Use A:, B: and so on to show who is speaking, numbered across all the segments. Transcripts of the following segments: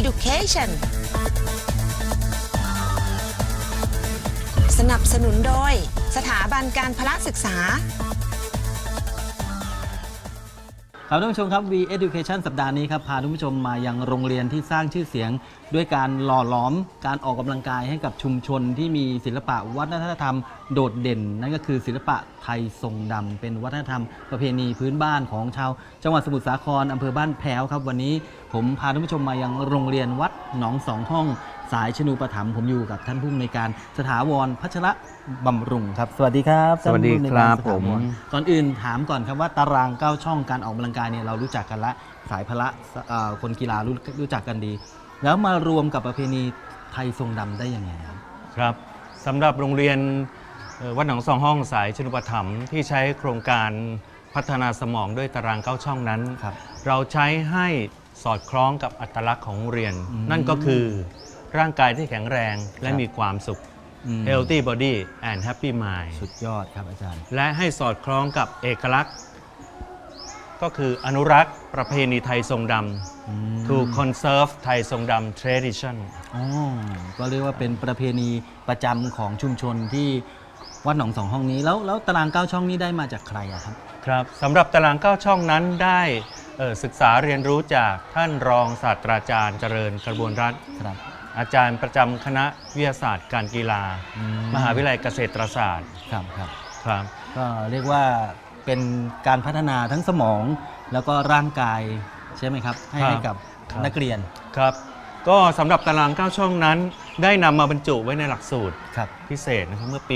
A: Education สนับสนุนโดยสถาบันการพละศึกษา
B: ครับท่านผู้ชมครับ V Education สัปดาห์นี้ครับพาท่านผู้ชมมายังโรงเรียนที่สร้างชื่อเสียงด้วยการหล่อหลอมการออกกำลังกายให้กับชุมชนที่มีศิลปะวัฒนธรรมโดดเด่นนั่นก็คือศิลปะไทยทรงดำเป็นวัฒนธรรมประเพณีพื้นบ้านของชาวจังหวัดสมุทรสาครอำเภอบ้านแพ้วครับวันนี้ผมพาท่านผู้ชมมายังโรงเรียนวัดหนองสองห้องสายชนูปถัมภ์ผมอยู่กับท่านผู้อำนวยการสถาวรพัชระบำรุงครับสวัสดีครับ
C: สวัสดีครับผม
B: ก่อนอื่นถามก่อนครับว่าตาราง9ช่องการออกกำลังกายเนี่ยเรารู้จักกันละสายพละคนกีฬารู้จักกันดีแล้วมารวมกับประเพณีไทยทรงดำได้ยังไง
C: ครับสำหรับโรงเรียนวัดหนองสองห้องสายชนุปถัมภ์ที่ใช้โครงการพัฒนาสมองด้วยตาราง9ช่องนั้นเราใช้ให้สอดคล้องกับอัตลักษณ์ของโรงเรียนนั่นก็คือร่างกายที่แข็งแรงและมีความสุข Healthy Body and Happy Mind
B: สุดยอดครับอาจารย์
C: และให้สอดคล้องกับเอกลักษณ์ก็คืออนุรักษ์ประเพณีไทยทรงดำ to conserve ไทยทรงดำ tradition
B: ก็เรียกว่าเป็นประเพณีประจำของชุมชนที่วัดหนองสองห้องนี้แล้วตาราง9ช่องนี้ได้มาจากใครครับ
C: ครับสำหรับตาราง9ช่องนั้นได้ศึกษาเรียนรู้จากท่านรองศาสตราจารย์เจริญกระบวนรัตน์อาจารย์ประจำคณะวิทยาศาสตร์การกีฬามหาวิทยาลัยเกษตรศาสตร์
B: ครับก็เรียกว่าเป็นการพัฒนาทั้งสมองแล้วก็ร่างกายใช่ไหมครับให้กับนักเรียน
C: ครับก็สำหรับตาราง9ช่องนั้นได้นำมาบรรจุไว้ในหลักสูตรพิเศษนะครับเมื่อปี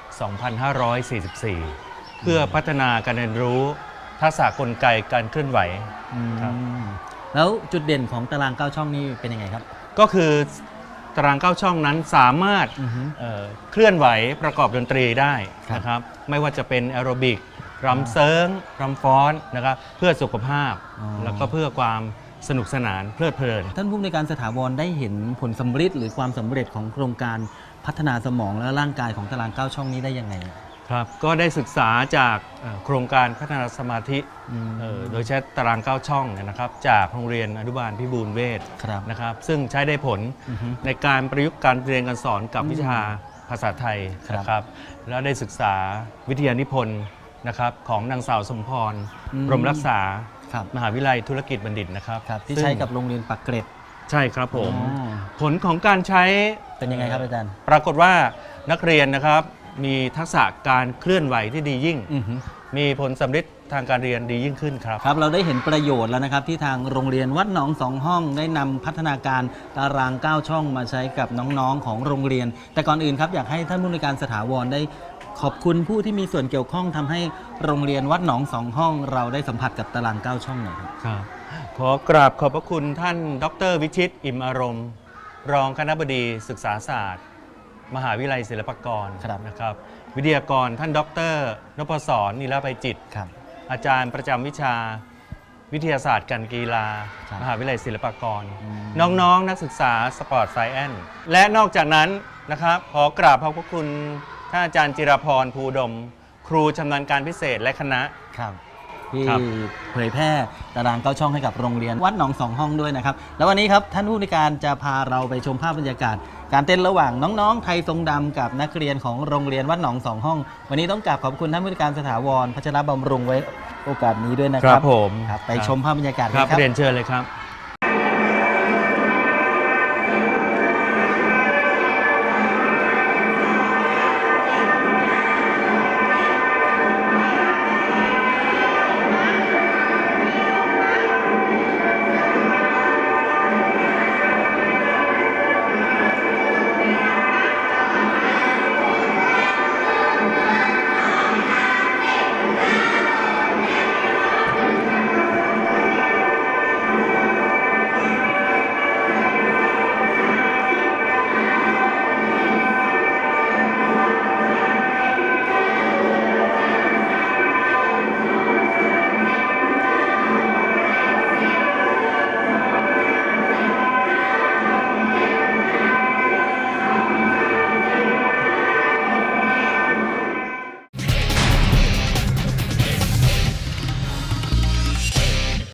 C: 2544 เพื่อพัฒนาการเรียนรู้ทักษะกลไกการเคลื่อนไหว
B: แล้วจุดเด่นของตาราง9ช่องนี้เป็นยังไงครับ
C: ก็คือตาราง9ช่องนั้นสามารถเคลื่อนไหวประกอบดนตรีได้นะครับไม่ว่าจะเป็นแอโรบิกรำเซิร์งรำฟ้อนนะครับเพื่อสุขภาพแล้วก็เพื่อความสนุกสนานเพลิดเพลิน
B: ท่านผู้ในการสถาวรได้เห็นผลสำเร็จหรือความสำเร็จของโครงการพัฒนาสมองและร่างกายของตาราง9ช่องนี้ได้ยังไง
C: ครับก็ได้ศึกษาจากโครงการพัฒนาสมาธิโดยใช้ตาราง9ช่องนะครับจากโรงเรียนอนุบาลพิบูลเวชนะครับซึ่งใช้ได้ผลในการประยุกต์การเรียนการสอนกับวิชาภาษาไทยนะครับแล้วได้ศึกษาวิทยานิพนธ์นะครับของนางสาวสมพรบรมรักษามหาวิทยาลัยธุรกิจบัณฑิตนะครับ
B: ที่ใช้กับโรงเรียนปักเกร็ด
C: ใช่ครับผมผลของการใช้
B: เป็นยังไงครับอาจารย์
C: ปรากฏว่านักเรียนนะครับมีทักษะการเคลื่อนไหวที่ดียิ่งมีผลสำเร็จทางการเรียนดียิ่งขึ้นครับ
B: ครับเราได้เห็นประโยชน์แล้วนะครับที่ทางโรงเรียนวัดหนองสองห้องได้นำพัฒนาการตาราง9ช่องมาใช้กับน้องๆของโรงเรียนแต่ก่อนอื่นครับอยากให้ท่านผู้ในการสถาวรได้ขอบคุณผู้ที่มีส่วนเกี่ยวข้องทำให้โรงเรียนวัดหนองสองห้องเราได้สัมผัสกับตาราง9ช่องหน่อย
C: ครับขอกราบขอบพระคุณท่านดร.วิชิตอิ่มอารมณ์รองคณบดีศึกษาศาสตร์มหาวิทยาลัยศิลปากรนะครับวิทยากรท่านดร.นพศรนิรภัยจิตอาจารย์ประจำวิชาวิทยาศาสตร์การกีฬามหาวิทยาลัยศิลปากรน้องๆนักศึกษาสปอร์ตไซแอนซ์และนอกจากนั้นนะครับขอกราบขอบพระคุณท่านอาจารย์จิรพรภูดมครูชำนาญการพิเศษและคณะ
B: ที่เผยแพร่ตาราง9ช่องให้กับโรงเรียนวัดหนองสองห้องด้วยนะครับแล้ววันนี้ครับท่านผู้ในการจะพาเราไปชมภาพบรรยากาศการเต้นระหว่างน้องๆไทยทรงดำกับนักเรียนของโรงเรียนวัดหนองสองห้องวันนี้ต้องกราบขอบคุณท่านผู้ในการสถาวรพัชรบำรุงไว้โอกาสนี้ด้วยนะครับ
C: ผม
B: ไปชมภาพบรรยากาศกัน
C: ครับเรียนเชิญเลยครับ